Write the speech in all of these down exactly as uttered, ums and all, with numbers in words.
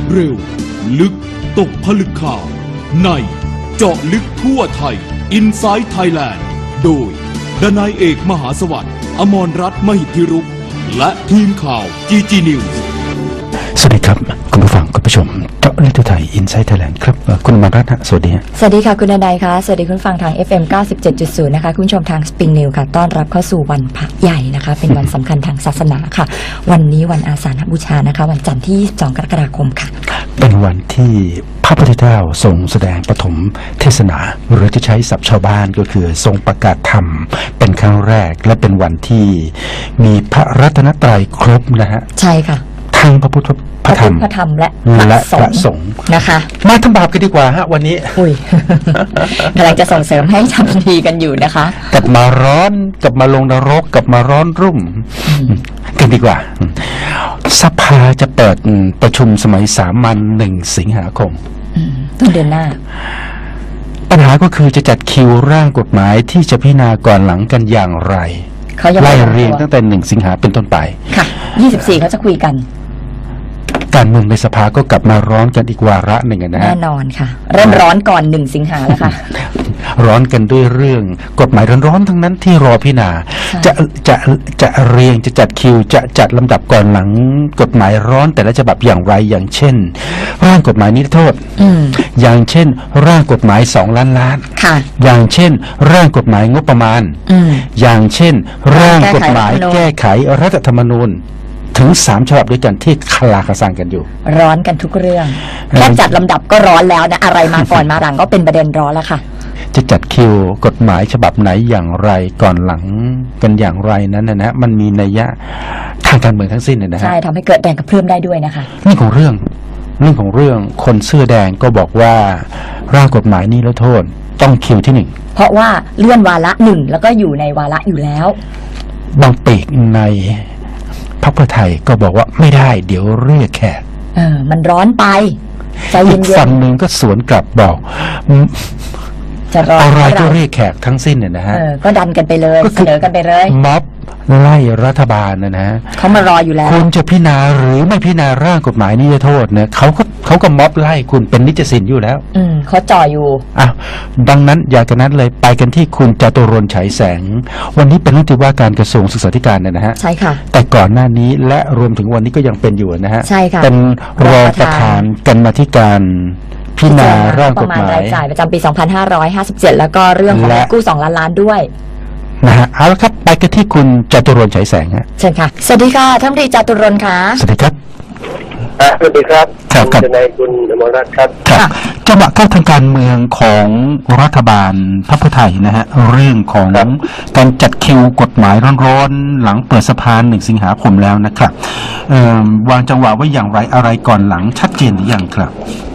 เร็วลึกตกผลึกข่าวในเจาะลึกทั่วไทย Inside Thailand โดยดนายเอกมหาสวัสดิ์อมรรัตน์มหิทธิรุกษ์และทีมข่าว จี จี News สวัสดีครับคุณผู้ฟังคุณผู้ชมเจาะลึกทั่วไทย Inside Thailand ครับคุณอมรรัตน์สวัสดีสวัสดีค่ะคุณดนายค่ะสวัสดีคุณฟังทาง เอฟ เอ็ม เก้าสิบเจ็ดจุดศูนย์ นะคะคุณผู้ชมทาง Spring News ค่ะต้อนรับเข้าสู่วันพระใหญ่นะคะเป็นวันสำคัญทางศาสนาค่ะวันนี้วันอาสาฬหบูชานะคะวันจันทร์ที่ยี่สิบสองกรกฎาคมค่ะเป็นวันที่พระพุทธเจ้าทรงแสดงปฐมเทศนาหรือที่ใช้ศัพท์ชาวบ้านก็คือทรงประกาศธรรมเป็นครั้งแรกและเป็นวันที่มีพระรัตนตรัยครบนะฮะใช่ค่ะทั้งพระพุทธพระธรรมพระธรรมและพระสงฆ์นะคะมาทำบาปกันดีกว่าฮะวันนี้อุ้ยกำลังจะส่งเสริมให้ทำดีกันอยู่นะคะกลับมาร้อนกลับมาลงนรกกลับมาร้อนรุ่มกันดีกว่าสภาจะเปิดประชุมสมัยสามัญหนึ่งสิงหาคมต้นเดือนหน้าปัญหาก็คือจะจัดคิวร่างกฎหมายที่จะพิจารณาก่อนหลังกันอย่างไรไล่เรียงตั้งแต่หนึ่งสิงหาเป็นต้นไปค่ะยี่สิบสี่เขาจะคุยกันการเมืองในสภาก็กลับมาร้อนกันอีกวาระหนึ่งนะฮะแน่นอนค่ะเริ่มร้อนก่อนหนึ่งสิงหาแล้วค่ะร้อนกันด้วยเรื่องกฎหมายร้อนๆทั้งนั้นที่รอพิจารณาจะจะจะเรียงจะจัดคิวจะจัดลำดับก่อนหลังกฎหมายร้อนแต่ละฉบับอย่างไรอย่างเช่นร่างกฎหมายนิรโทษอย่างเช่นร่างกฎหมายสองล้านล้านอย่างเช่นร่างกฎหมายงบประมาณอย่างเช่นร่างกฎหมายแก้ไขรัฐธรรมนูญถึงสามฉบับด้วยกันที่คลาคาซังกันอยู่ร้อนกันทุกเรื่องแค่จัดลำดับก็ร้อนแล้วนะอะไรมาก่อนมาหลังก็เป็นประเด็นร้อนแล้วค่ะจะจัดคิวกฎหมายฉบับไหนอย่างไรก่อนหลังกันอย่างไรนั้นนะนะมันมีนัยยะทางการเมืองทั้งสิ้นนะฮะใช่ทำให้เกิดแรงกระเพื่อมได้ด้วยนะคะนี่ของเรื่องเรื่องของเรื่องคนเสื้อแดงก็บอกว่าร่างกฎหมายนี้แล้วโทษต้องคิวที่หนึ่งเพราะว่าเลื่อนวาระหนึ่งแล้วก็อยู่ในวาระอยู่แล้วบางปีกในพรรคเพื่อไทยก็บอกว่าไม่ได้เดี๋ยวเรียกแขกเออมันร้อนไปใจเย็นๆอีกฝั่งหนึ่งก็สวนกลับบอกจะรออะไรก็เรียกแขกทั้งสิ้นเนี่ยนะฮะก็ดันกันไปเลยเสนอกันไปเลยม็อบไล่รัฐบาลนะนะเขามารออยู่แล้วคุณจะพิจารณาหรือไม่พิจารณาร่างกฎหมายนิรโทษเนี่ยเขาก็เขาก็ม็อบไล่คุณเป็นนิจสินอยู่แล้วอืมเขาจ่ออยู่อ่ะดังนั้นอยากกันนั้นเลยไปกันที่คุณจตุรนต์ฉายแสงวันนี้เป็นรัฐมนตรีว่าการกระทรวงศึกษาธิการเนี่ยนะฮะใช่ค่ะแต่ก่อนหน้านี้และรวมถึงวันนี้ก็ยังเป็นอยู่นะฮะใช่ค่ะเป็นรองประธานกรรมาธิการพิจารณาร่างกฎหมายรายจ่ายประจำปีสองพันห้าร้อยห้าสิบเจ็ดแล้วก็เรื่องของกู้สองล้านล้านด้วยนะฮะเอาละครับไปกันที่คุณจตุรนต์ฉายแสงฮะเชิญค่ะสวัสดีค่ะท่านดีจตุรนต์ค่ะสวัสดีครับสวัสดีครับครับครับนายคุณอมรรัตน์ครับครับจังหวะเข้าทางการเมืองของรัฐบาลพรรคเพื่อไทยนะฮะเรื่องของการจัดคิวกฎหมายร้อนๆหลังเปิดสภาหนึ่งสิงหาคมแล้วนะครับวางจังหวะไว้อย่างไรอะไรก่อนหลังชัดเจนหรือยังครับ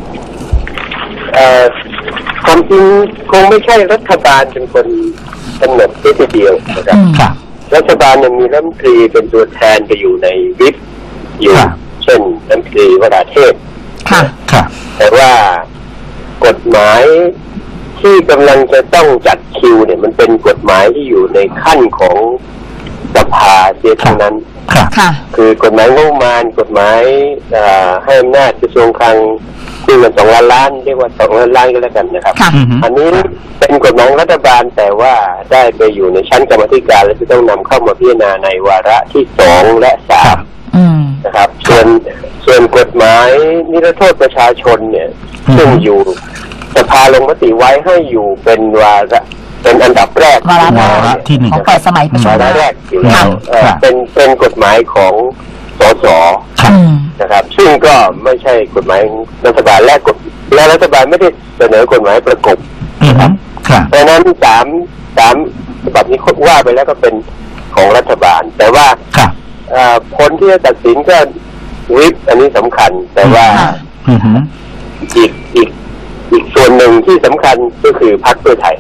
ความจริงคงไม่ใช่รัฐบาลเป็นคนกำหนดแค่เดียวนะครับรัฐบาลยังมีรัฐมนตรีเป็นตัวแทนก็อยู่ในวิปอยู่เช่นรัฐมนตรีวราเทพแต่ว่ากฎหมายที่กำลังจะต้องจัดคิวเนี่ยมันเป็นกฎหมายที่อยู่ในขั้นของสภาเสียทั้งนั้นคือกฎหมายงบประมาณกฎหมายให้อำนาจกระทรวงคลังคือเงินสองล้านล้านเรียกว่าสองล้านล้านก็แล้วกันนะครับอันนี้เป็นกฎหมายรัฐบาลแต่ว่าได้ไปอยู่ในชั้นกรรมธิการและจะต้องนำเข้ามาพิจารณาในวาระที่สองและสามนะครับส่วนส่วนกฎหมายนิรโทษประชาชนเนี่ยซึ่งอยู่สภาลงมติไว้ให้อยู่เป็นวาระเป็นอันดับแรกวาระที่หนึ่งของเปิดสมัยประชุมวาระแรกอยู่แล้วเป็นเป็นกฎหมายของสสนะครับซึ่งก็ไม่ใช่กฎหมายรัฐบาลและกฎและรัฐบาลไม่ได้เสนอกฎหมายประกบนะครับเพราะนั้นสามสามฉบับนี้ว่าไปแล้วก็เป็นของรัฐบาลแต่ว่าผลที่จะตัดสินก็วิปอันนี้สำคัญแต่ว่าอีกอีกอีกส่วนหนึ่งที่สำคัญก็คือพรรคเพื่อไทย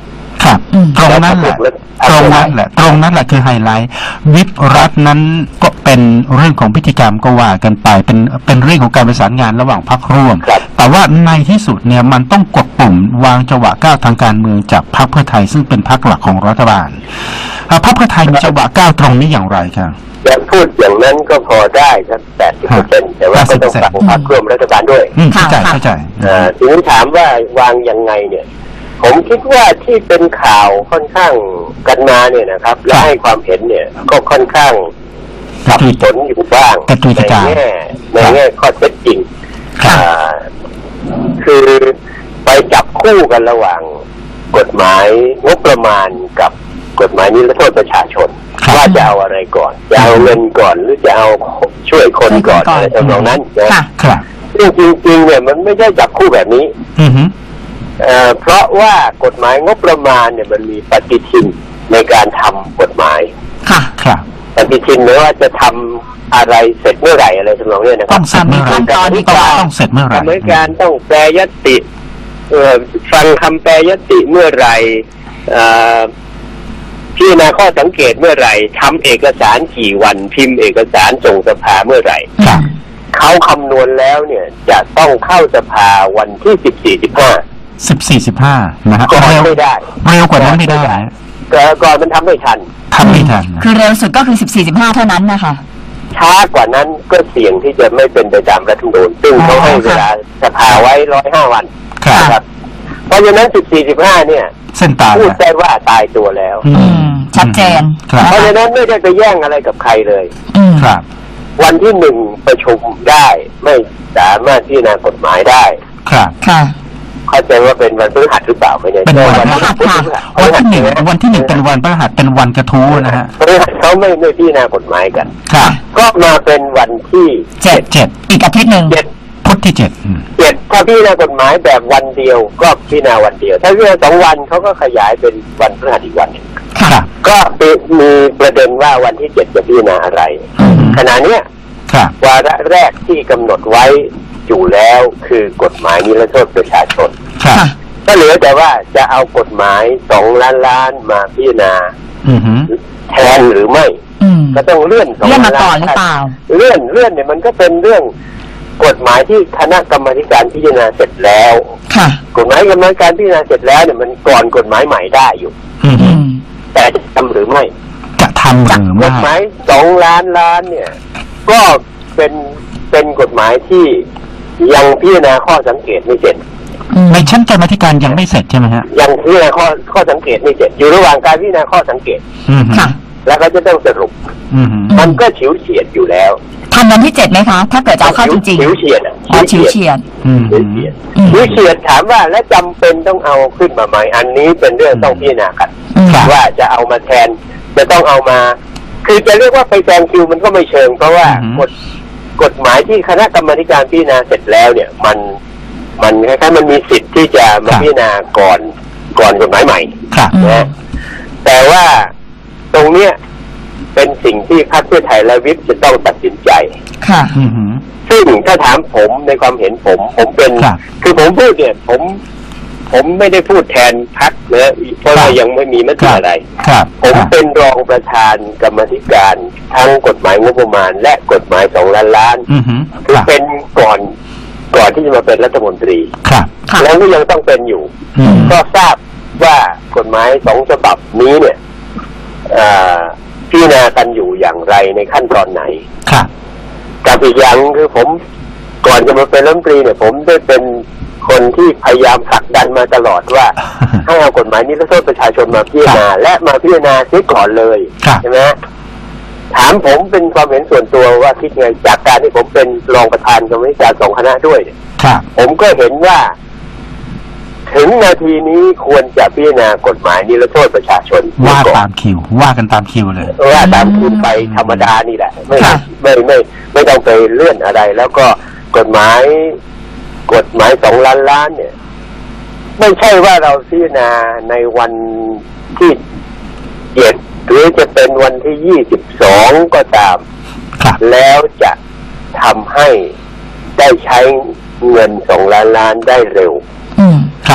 ครับอืมตรงนั้นแหละตรงนั้นแหละตรงนั้นแหละคือไฮไลท์วิปรัฐนั้นก็เป็นเรื่องของพิธีกรรมก็ว่ากันไปเป็นเป็นเรื่องของการประสานงานระหว่างพรรคร่วมครับแต่ว่าในที่สุดเนี่ยมันต้องกดปุ่มวางจังหวะก้าวทางการเมืองจากพรรคเพื่อไทยซึ่งเป็นพรรคหลักของรัฐบาลอ่าพรรคเพื่อไทยมีจังหวะก้าวตรงนี้อย่างไรครับอย่างพูดอย่างนั้นก็พอได้ครับแปดสิบเปอร์เซ็นต์แต่ว่าก็ต้องฟังพรรคร่วมรัฐบาลด้วยอืมเข้าใจเข้าใจเอ่อทีนี้ถามว่าวางยังไงเนี่ย ผมคิดว่าที่เป็นข่าวค่อนข้างกันมาเนี่ยนะครับ และให้ความเห็นเนี่ยก็ค่อนข้างสับสนอยู่บ้างกระจุยกในระจายแง่ในแง่ข้อเท็จจริงครับอ่าคือไปจับคู่กันระหว่างกฎหมายงบประมาณกับกฎหมายนิรโทษประชาชนครับว่าจะเอาอะไรก่อน จะเอาเงินก่อนหรือจะเอาช่วยคนก่อนช่วยคนก่อนอะไรทำนองนั้นนะค่ะครับซึ่งจริงๆเนี่ยมันไม่ใช่จับคู่แบบนี้อือฮึเอ่อเพราะว่ากฎหมายงบประมาณเนี่ยมันมีปฏิทินในการทำกฎหมายค่ะครับปฏิทินหรือว่าจะทำอะไรเสร็จเมื่อไหร่อะไรทำนองเนี้ยนะคต้รัอบ งเสร็จเมื่อไหร่ขั้นตอนที่ต้องก่อนต้องเสร็จเมื่อไหร่กรรมการต้องแปลยติเอ่อฟังคำแปลยติเมื่อไหร่เอ่อพิจารณาข้อสังเกตเมื่อไหร่ทำเอกสารกี่วันพิมพ์เอกสารส่งสภาเมื่อไหร่ครับเขาคำนวณแล้วเนี่ยจะต้องเข้าสภาวันที่สิบสี่สิบห้าสิบสี่สิบห้านะฮะก่อนเร็วไม่ได้เร็วกว่านั้นไม่ได้ก่อนก่อนมันทำไม่ทันทำไม่ทันคือเร็วสุดก็คือสิบสี่สิบห้าเท่านั้นนะคะช้ากว่านั้นก็เสี่ยงที่จะไม่เป็นไปตามรัฐธรรมนูญซึ่งเขาให้เวลาสภาไว้ร้อยห้าวันครับนะครับ เพราะฉะนั้นสิบสี่สิบห้าเนี่ยเส้นตายพูดนะได้ว่าตายตัวแล้วอือืมม ชัดเจนครับเพราะฉะนั้นไม่ได้ไปแย่งอะไรกับใครเลยอืมครับวันที่หนึ่งประชุมได้ไม่สามารถพิจารณากฎหมายได้ครับค่ะเข้าใจว่าเป็นวันพฤหัสหรือเปล่าไม่แน่เป็นใจวันพฤหัสค่ะวันที่หนึ่งวันที่หนึ่งเป็นวันพฤหัสเป็นวันกระทู้นะฮะพฤหัสเขาไม่ไม่พิจารณากฎหมายกันครับก็มาเป็นวันที่เจ็ดเจ็ดอีกอาทิตย์หนึ่งเจ็ดพุธที่เจ็ดอืมเจ็ดถ้าพิจารณากฎหมายแบบวันเดียวก็พิจารณาวันเดียว ถ้าพิจารณาสองวันเขาก็ขยายเป็นวันพฤหัสอีกวันหนึ่งค่ะครับก็มีประเด็นว่าวันที่เจ็ดจะพิจารณาอะไรอืมขณะเนี้ยครับวาระแรกที่กำหนดไว้อยู่แล้วคือกฎหมายนิรโทษประชาชนครับค่ะก็เหลือแต่ว่าจะเอากฎหมายสองล้านล้านมาพิจารณาอือฮึแทนหรือไม่อืมก็ต้องเลื่อนสองเลื่อนล้ามาน ก่ล้าอนนหรือเปล่าเลื่อนเลื่อนเนี่ยมันก็เป็นเรื่องกฎหมายที่คณะกรรมาธิการพิจารณาเสร็จแล้วค่ะกฎหมายกรรมการพิจารณาเสร็จแล้วเนี่ยมันก่อนกฎหมายใหม่ได้อยู่อืออืฮึมแต่จะทำหรือไม่จะทำหรือกฎไม่หมายสองล้านล้านเนี่ย ก็เป็นเป็นกฎหมายที่ยังพิจารณาข้อสังเกตไม่เสร็จอืมในชั้นกรรมาธิการยังไม่เสร็จใช่ไหมฮะยังพิจารณาข้อข้อสังเกตไม่เสร็จ อยู่ระหว่างการพิจารณาข้อสังเกตอือฮึค่ะแล้วก็จะต้องสรุปอือฮึมันก็ฉิวเฉียดอยู่แล้วทันวันที่เจ็ดไหมคะ ถ้าเกิดจะเอาเข้าจริงฉิวเฉียดอ่ะๆอ๋อชิวเฉียดอืมฉิวเฉียดอืมฉิวเฉียดถามว่าและจำเป็นต้องเอาขึ้นมาไหมอันนี้เป็นเรื่องต้องพิจารณากันอืมว่าจะเอามาแทนจะต้องเอามา คือจะเรียกว่าไปแซงคิวมันก็ไม่เชิง เพราะว่ากฎกฎหมายที่คณะกรรมาธิการพิจารณาเสร็จแล้วเนี่ย มันมันคล้ายๆมันมีสิทธิ์ที่จะมาพิจารณาก่อนก่อนกฎหมายใหม่ครับอืมนะแต่ว่าตรงเนี้ยเป็นสิ่งที่พรรคเพื่อไทยและวิปจะต้องตัดสินใจค่ะอือฮึซึ่งถ้าถามผมในความเห็นผม ผมเป็นครับคือผมพูดเนี่ย ผม ผมไม่ได้พูดแทนพรรคนะเพราะว่ายังไม่มีมติอะไรครับผมครับเป็นรองประธานกรรมาธิการทั้งกฎหมายงบประมาณ และกฎหมายสองล้านล้านอือฮึคือครับเป็นก่อนก่อนที่จะมาเป็นรัฐมนตรีครับค่ะแล้วก็ยังต้องเป็นอยู่อืมก็ทราบว่ากฎหมายสองฉบับนี้เนี่ยเอ่อพิจารณากันอยู่อย่างไรในขั้นตอนไหนครับกับอีกอย่างคือผมก่อนจะมาเป็นรัฐมนตรีเนี่ย ผมได้เป็นคนที่พยายามผลักดันมาตลอดว่า ให้เอากฎหมายนิรโทษประชาชนมาพิจารณาและมาพิจารณาเสียก่อนเลยครับใช่ไหมถามผมเป็นความเห็นส่วนตัวว่าคิดไงจากการที่ผมเป็นรองประธานกรรมาธิการสองคณะด้วยเนี่ยครับผมก็เห็นว่า ถึงนาทีนี้ควรจะพิจารณากฎหมายนิรโทษประชาชนว่าก่อตาน มคิว ว่ากันตามคิวเลยว่าตามคิวไปธรรมดานี่แหละ ไม่ค่ะไม่ไม่ไม่ต้องไปเลื่อนอะไร แล้วก็กฎหมาย กฎหมายสองล้านล้านเนี่ย ไม่ใช่ว่าเราพิจารณาในวันที่เจ็ดหรือจะเป็นวันที่ยี่สิบสองก็ตามครับแล้วจะทำให้ได้ใช้เงินสองล้านล้านได้เร็วอืมครับ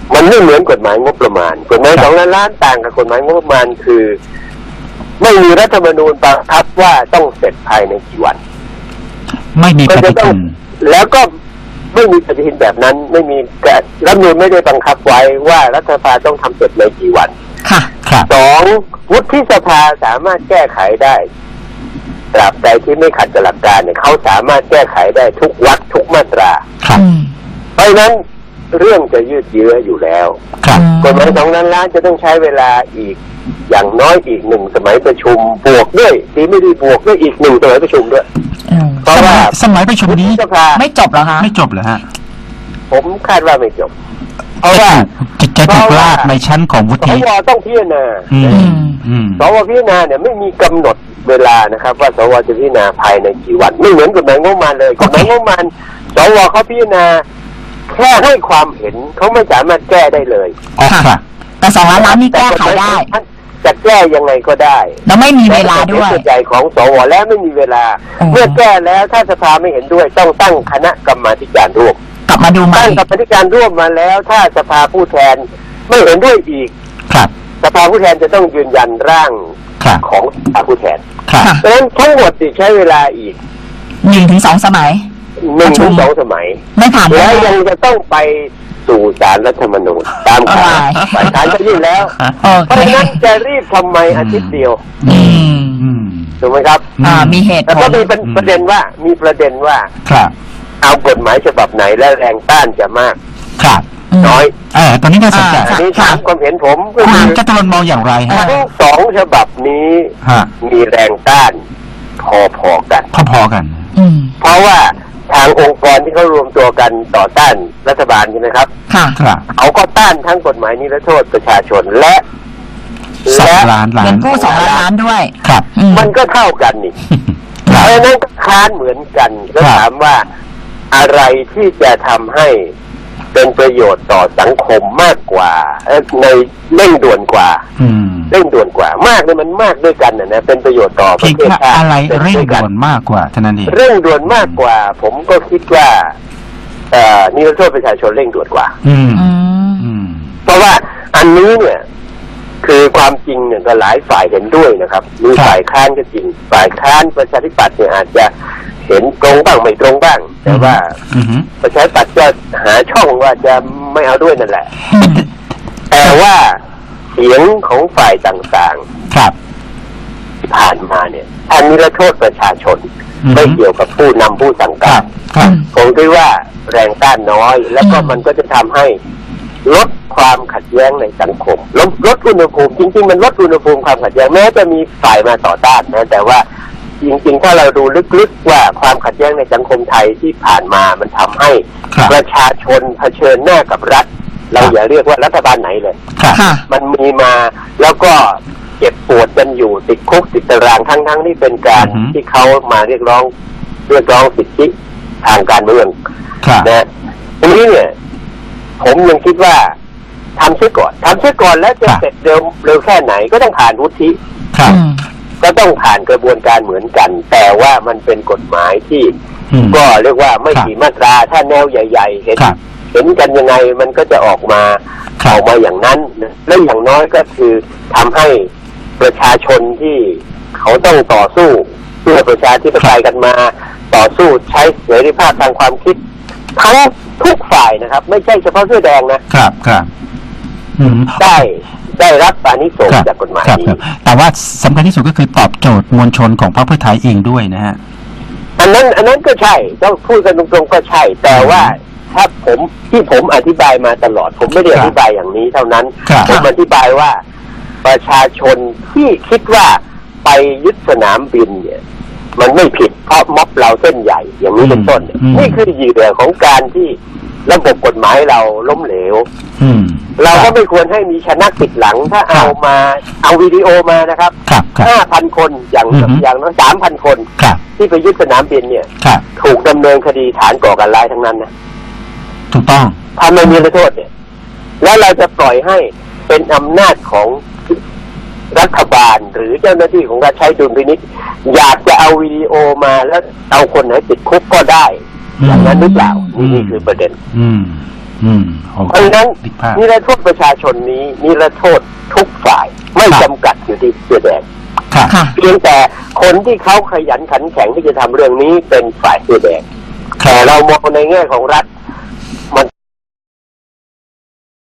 มันไม่เหมือนกฎหมายงบประมาณกฎหมายสองล้านล้านต่างกับกฎหมายงบประมาณคือไม่มีรัฐธรรมนูญบังคับว่าต้องเสร็จภายในกี่วันไม่มีปฏิทินแล้วก็ไม่มีปฏิทินแบบนั้นไม่มีรัฐธรรมนูญไม่ได้บังคับไว้ว่ารัฐสภาต้องทำเสร็จในกี่วันค่ะสองวุฒิสภาสามารถแก้ไขได้ตราบใดที่ไม่ขัดกับหลักการเนี่ยเขาสามารถแก้ไขได้ทุกวรรคทุกมาตราเพราะฉะนั้นเรื่องจะยืดเยื้ออยู่แล้วกฎหมายสองล้านล้านจะต้องใช้เวลาอีกอย่างน้อยอีกหนึ่งสมัยประชุมบวกด้วยทีไม่ได้บวกด้วยอีกหนึ่งสมัยประชุมด้วยเพราะว่าสมัยประชุมนี้ไม่จบหรอคะไม่จบเหรอฮะผมคาดว่าไม่จบเพราะว่าจะถูกลากในชั้นของวุฒิสวต้องพิจารณาสวพิจารณาเนี่ยไม่มีกำหนดเวลานะครับว่าสวจะพิจารณาภายในกี่วันไม่เหมือนกฎหมายงบประมาณเลยกฎหมายงบประมาณสวเขาพิจารณาแค่ให้ความเห็นเขาไม่สามารถแก้ได้เลยแต่สองล้านล้านนี่แก้ไขได้จะแก้ยังไงก็ได้แล้วไม่มีเวลาด้วยส่วนใหญ่ของสวแล้วไม่มีเวลาเมื่อแก้แล้วถ้าสภาไม่เห็นด้วยต้องตั้งคณะกรรมาธิการร่วมกลับมาดูใหม่ตั้งกรรมาธิการร่วมมาแล้วถ้าสภาผู้แทนไม่เห็นด้วยอีกครับสภาผู้แทนจะต้องยืนยันร่างของสภาผู้แทนเพราะฉะนั้นทั้งหมดจะใช้เวลาอีกหนึ่งถึงสองสมัยหนึ่งถึงสองสมัยไม่ผ่านแล้วยังจะต้องไปสู่ศาลรัฐธรรมนูญตามข่าวฝ่ายค้านก็ยื่นแล้วเพราะฉะนั้นจะรีบทำไมอาทิตย์เดียวถูกไหมครับอ่ามีเหตุแล้วก็มีประเด็นว่ามีประเด็นว่าเอากฎหมายฉบับไหนและแรงต้านจะมากครับน้อยเออตอนนี้น่าสนใจอันนี้ถามความเห็นผมคุณจตุรนต์มองอย่างไรฮะทั้งสองฉบับนี้มีแรงต้านพอๆกันพอๆกันเพราะว่าทางองค์กรที่เขารวมตัวกันต่อต้านรัฐบาลใช่ไหมครับค่ะเขาก็ต้านทั้งกฎหมายนิรโทษประชาชนและและเงินกู้สองล้านล้านด้วยครับมันก็เท่ากันนี่เพราะฉะนั้นก็ค้านเหมือนกันแล้วถามว่าอะไรที่จะทำให้เป็นประโยชน์ต่อสังคมมากกว่าในเร่งด่วนกว่าเร่งด่วนกว่ามากเนี่ยมันมากด้วยกันนะนะเป็นประโยชน์ต่อประเทศชาติอะไรเร่งด่วนมากกว่าเท่านั้นเองเร่งด่วนมากกว่าผมก็คิดว่าเอ่อนิรโทษประชาชนเร่งด่วนกว่าเพราะว่าอันนี้เนี่ยคือความจริงเนี่ยก็หลายฝ่ายเห็นด้วยนะครับมีฝ่ายค้านก็จริงฝ่ายค้านประชาธิปัตย์เนี่ยอาจจะเห็นตรงบ้างไม่ตรงบ้างแต่ว่าประชาธิปัตย์จะหาช่องว่าจะไม่เอาด้วยนั่นแหละแต่ว่าเสียงของฝ่ายต่างๆครับที่ผ่านมาเนี่ยอันนี้ละโทษประชาชนไม่เกี่ยวกับผู้นำผู้สั่งการผมคิดว่าแรงต้านน้อยแล้วก็มันก็จะทำให้ลดความขัดแย้งในสังคมลดลดอุณหภูมิจริงๆมันลดอุณหภูมิความขัดแย้งแม้จะมีฝ่ายมาต่อต้านนะแต่ว่าจริงๆถ้าเราดูลึกๆว่าความขัดแย้งในสังคมไทยที่ผ่านมามันทำให้ประชาชนเผชิญหน้ากับรัฐเราอย่าเรียกว่ารัฐบาลไหนเลยมันมีมาแล้วก็เจ็บปวดกันอยู่ติดคุกติดตารางทั้งๆที่เป็นการที่เขามาเรียกร้องเรียกร้องสิทธิทางการเมืองนะทีนี้เนี่ยผมยังคิดว่าทำเสียก่อนทำเสียก่อนแล้วจะเสร็จเร็วเร็วแค่ไหนก็ต้องผ่านวุฒิก็ต้องผ่านกระบวนการเหมือนกันแต่ว่ามันเป็นกฎหมายที่ก็เรียกว่าไม่กี่มาตราถ้าแนวใหญ่ๆเห็นเห็นกันยังไงมันก็จะออกมาออกมาอย่างนั้นและอย่างน้อยก็คือทำให้ประชาชนที่เขาต้องต่อสู้เพื่อประชาธิปไตยกันมาต่อสู้ใช้เสรีภาพทางความคิดทั้งทุกฝ่ายนะครับไม่ใช่เฉพาะเสื้อแดงนะครับครับได้ได้รับอานิสงส์จากกฎหมายนี้แต่ว่าสำคัญที่สุดก็คือตอบโจทย์มวลชนของพรรคเพื่อไทยเองด้วยนะฮะอันนั้นอันนั้นก็ใช่ต้องพูดกันตรงๆก็ใช่แต่ว่าถ้าผมที่ผมอธิบายมาตลอดผมไม่ได้อธิบายอย่างนี้เท่านั้นผมอธิบายว่าประชาชนที่คิดว่าไปยึดสนามบินเนี่ยมันไม่ผิดเพราะม็อบเราเส้นใหญ่อย่างนี้เป็นต้นนี่คือเหยื่อของการที่ระบบกฎหมายเราล้มเหลวเราก็ไม่ควรให้มีชนะติดหลังถ้าเอามาเอาวิดีโอมานะครับห้าพันคนอย่างอย่างน้อยสามพันคนที่ไปยึดสนามบินเนี่ยถูกดำเนินคดีฐานก่อการร้ายทั้งนั้นนะถูกต้องทำไม่มีโทษเนี่ยแล้วเราจะปล่อยให้เป็นอำนาจของรัฐบาลหรือเจ้าหน้าที่ของรัฐใช้ดุลพินิจอยากจะเอาวิดีโอมาแล้วเอาคนไหนติดคุกก็ได้อย่างนั้นหรือเปล่านี่คือประเด็นอืมโอเพเคราะฉะนั้นนึกภาพนิรโทษประชาชนนี้นิรโทษทุกฝ่ายไม่ครับจำกัดอยู่ที่เสื้อแดงครับค่ะเพียงแต่คนที่เขาขยันขันแข็งที่จะทำเรื่องนี้เป็นฝ่ายเสื้อแดงครัแต่บเรามองในแง่ของรัฐ